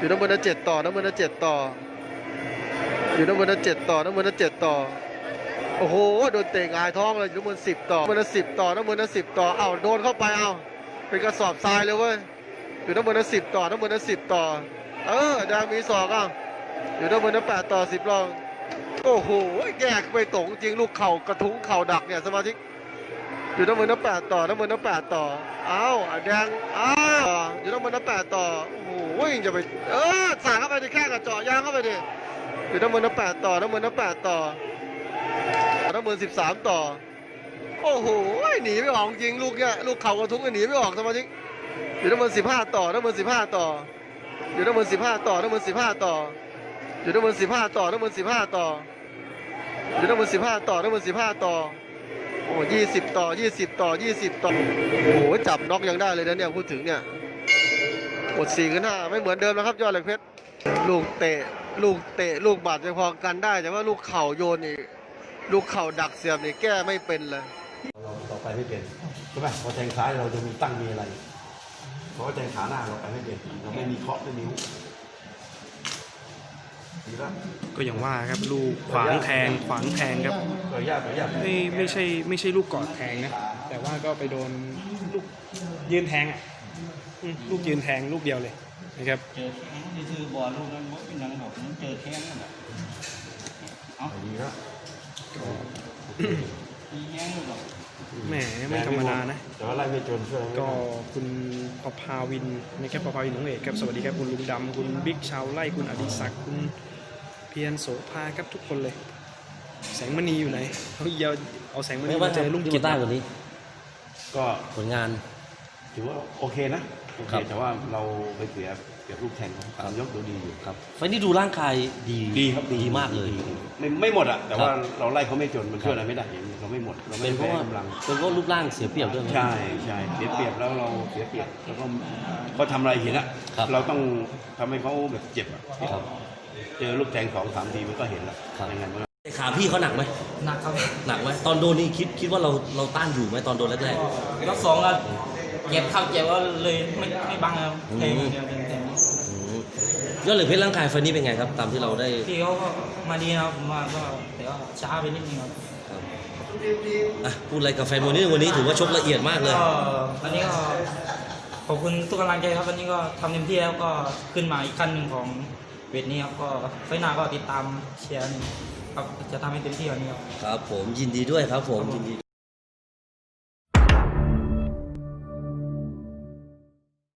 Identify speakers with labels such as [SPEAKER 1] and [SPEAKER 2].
[SPEAKER 1] อยู่น้ำเงินนะ7ต่อน้ำเงินนะ7ต่ออยู่น้ำเงินนะ7ต่อน้ำเงินนะ7ต่อโอ้โหโดนเตะหงายท้องเลยอยู่น้ำเงิน10ต่อน้ำเงินนะ10ต่อน้ำเงินนะ10ต่อเอ้าโดนเข้าไปเอ้าเป็นกระสอบทรายเลยเว้ยอยู่น้ำเงินนะ10ต่อน้ำเงินนะ10ต่อแดงมีศอกเอ้าอยู่น้ำเงินนะ8ต่อ10ลองโอ้โหแยกไปตรงจริงลูกเข่ากระทุ้งเข่าดักเนี่ยสมาธิอยู่น้ำเงินนะ8ต่อน้ำเงินนะ8ต่อแดงอยู่น้ำเงินนะ8ต่อโอ้โหจะไปสาดเข้าไปดิแค่กระเจาะยางเข้าไปดิอยู่น้ำเงินนะ8ต่อน้ำเงินนะ8ต่อน้ำเงิน13ต่อโอ้โหหนีไม่ออกจริงลูกเนี่ยลูกเข่ากระทุ้งหนีไม่ออกสมาธิอยู่น้ำเงิน15ต่อน้ำเงิน15ต่ออยู่น้ำเงิน15ต่อน้ำเงิน15ต่ออยู่น้ำเงิน15ต่อน้ำเงิน15ต่ออยู่น้ำเงิน15ต่อน้ำเงิน15ต่อโอ้20ต่อ20ต่อ20ต่อโอ้โหจับน็อกยังได้เลยนะเนี่ยพูดถึงเนี่ยหมด4กัน5ไม่เหมือนเดิมแล้วครับยอดเหล็กเพชรลูกเตะลูกบาดจะพอกันได้แต่ว่าลูกเข่าโยนนี่ลูกเข่าดักเสียบนี่แก้ไม่เป็นเลย
[SPEAKER 2] เราต่อไปไม่เป็นใช่ไหมพอแทงซ้ายเราจะมีตั้งมีอะไรเพราะว่าแทงขาหน้าเราไปไม่เป็นเราไม่มีเคาะไม่มีหุบ
[SPEAKER 3] ก็อย่างว่าครับลูกขวางแทงครับไม่ใช่ลูกกอดแทงนะแต่ว่าก็ไปโดนลูกยืนแทงลูกยืนแทงลูกเดียวเลยนะครับ
[SPEAKER 4] เจอแข้งที่คือบอลลูกนั้นเป็นหนังบอกมันเจอแข้งนั่นแหละ
[SPEAKER 2] ดีครับ
[SPEAKER 4] มีแข้งหรอก
[SPEAKER 3] แหมไม่ธรรมดานะ
[SPEAKER 2] แต่ว่าไล่ไม่จนช่วย
[SPEAKER 3] ก็คุณประภาวินนะครับประภาวินของเอกครับสวัสดีครับคุณลุงดำคุณบิ๊กชาวไร่คุณอดิศักดิ์คุณเพียรโสภาครับทุกคนเลยแสงมณีอยู่ไหนเอาแสงมณีมาเจอลุงกิต
[SPEAKER 5] ได้วันนี้
[SPEAKER 2] ก็
[SPEAKER 5] ผลงาน
[SPEAKER 2] ถือว่าโอเคนะโอเคแต่ว่าเราไปเสียลูกแทงเขายกดูดีอยู่
[SPEAKER 5] ครับไฟนี้ดูร่างกาย
[SPEAKER 2] ดีครับ
[SPEAKER 5] ดีมากเลย
[SPEAKER 2] ไม่หมดอ่ะแต่ว่าเราไล่เขาไม่จนมันช่วยอะไรไม่ได้เราไม่หมดเราไม่
[SPEAKER 5] เป็นเพราะว่ากเป็นเพราะรูปร่างเสียเปรียบด้วย
[SPEAKER 2] ใช่เสียเปรียบแล้วเราเสียเปรียบแล้วก็เขาทำอะไรเห็นอ่ะเราต้องทำให้เขาแบบเจ็บอ่ะเจอลูกแทง2-3 ทีมันก็เห็นแล้วยังไง
[SPEAKER 5] ขาพี่เขาหนักไหม
[SPEAKER 4] หนักครับ
[SPEAKER 5] หนักไหมตอนโดนนี่คิดว่าเราต้านอยู่ไหมตอนโดนแรก
[SPEAKER 4] ๆยก2ก็เจ็บก็เลยไม่บังครับแทงเดียวแทง
[SPEAKER 5] ยอดเหล็กเพชรร่างกายไฟนี้เป็นไงครับตามที่เราได้
[SPEAKER 4] พี่เขาก็มาดีนะครับมาก็แต่ก็ช้าไปนิดนึงครับ
[SPEAKER 5] พูดอะไรกับแฟนมวยนี่วันนี้ถือว่าชกละเอียดมากเลย
[SPEAKER 4] วันนี้ก็ขอบคุณทุกกำลังใจครับวันนี้ก็ทำเต็มที่แล้วก็ขึ้นมาอีกขั้นหนึ่งของเวทนี้ครับก็ไฟหน้าก็ติดตามเชียร์ครับจะทำให้เต็มที่วันนี้
[SPEAKER 5] ครับผมยินดีด้วยครับผมยินดี